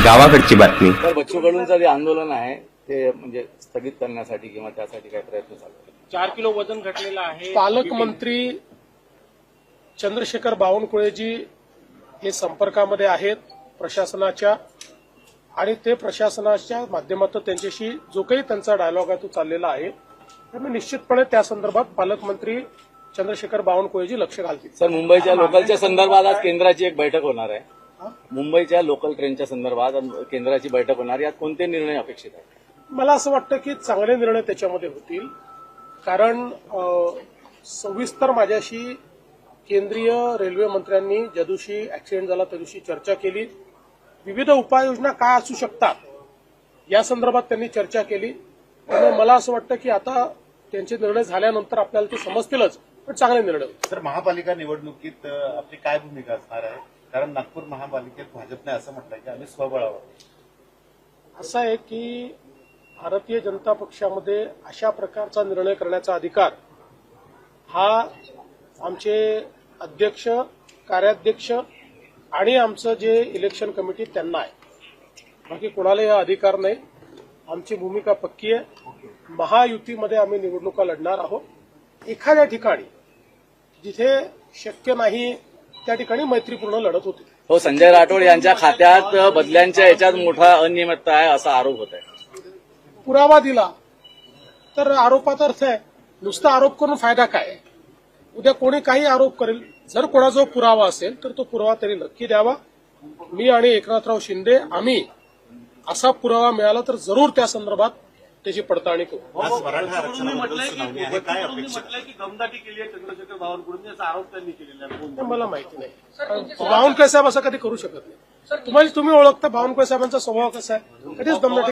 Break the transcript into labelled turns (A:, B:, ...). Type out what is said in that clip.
A: गावाकडची बातमी.
B: तर बच्चू कडूंचं जे आंदोलन आहे ते म्हणजे स्थगित करण्यासाठी किंवा त्यासाठी काय प्रयत्न चालू आहे?
C: 4 किलो वजन घटलेलं आहे.
D: पालकमंत्री चंद्रशेखर बावनकुळेजी हे संपर्कामध्ये आहेत प्रशासनाच्या, आणि ते प्रशासनाच्या माध्यमातून त्यांच्याशी जो काही त्यांचा डायलॉग आहे तो चाललेला आहे. त्यामुळे निश्चितपणे त्या संदर्भात पालकमंत्री चंद्रशेखर बावनकुळेजी लक्ष घालतील.
B: सर, मुंबईच्या लोकलच्या संदर्भात आज केंद्राची एक बैठक होणार आहे. मुंबईच्या लोकल ट्रेनच्या संदर्भात केंद्राची बैठक होणार, यात कोणते निर्णय अपेक्षित आहेत?
D: मला असं वाटतं की चांगले निर्णय त्याच्यामध्ये होतील, कारण सविस्तर माझ्याशी केंद्रीय रेल्वे मंत्र्यांनी ज्या दिवशी ऍक्सिडेंट झाला त्या दिवशी चर्चा केली. विविध उपाययोजना काय असू शकतात या संदर्भात त्यांनी चर्चा केली. त्यामुळे मला असं वाटतं की आता त्यांचे निर्णय झाल्यानंतर आपल्याला ते समजतीलच, पण चांगले निर्णय होतील.
E: तर महापालिका निवडणुकीत आपली काय भूमिका असणार आहे? कारण नागपूर महापालिकेत भाजपने असं म्हटलंय की आम्ही स्वबळावर.
D: असं आहे की भारतीय जनता पक्षामध्ये अशा प्रकारचा निर्णय करण्याचा अधिकार हा आमचे अध्यक्ष, कार्याध्यक्ष आणि आमचं जे इलेक्शन कमिटी त्यांना आहे. बाकी कोणालाही हा अधिकार नाही. आमची भूमिका पक्की आहे. महायुतीमध्ये आम्ही निवडणुका लढणार आहोत. एखाद्या ठिकाणी जिथे शक्य नाही त्या ठिकाणी मैत्रीपूर्ण लढत होती.
B: हो, संजय राठोड यांच्या खात्यात बदल्यांच्या याच्यात मोठा अनियमितता आहे असा आरोप होत आहे.
D: पुरावा दिला तर आरोपात अर्थ आहे. नुसता आरोप करून फायदा काय? उद्या कोणी काही आरोप करेल. जर कोणाजवळ पुरावा असेल तर तो पुरावा त्यांनी नक्की द्यावा. मी आणि एकनाथराव शिंदे आम्ही असा पुरावा मिळाला तर जरूर त्या संदर्भात त्याची पडताळणी करू.
E: आज मराठा आरक्षणाबद्दल सुनावणी आहे, काय अपेक्षा?
C: म्हटलंय की दमदाटी केली आहे चंद्रशेखर बावनकुळेंनी, असा आरोप त्यांनी केलेला आहे.
D: हे मला माहिती नाही. बावनकुळे साहेब असं कधी करू शकत नाही. तुम्ही ओळखता बावनकुळे साहेबांचा स्वभाव कसा आहे. कधीच दमदाटी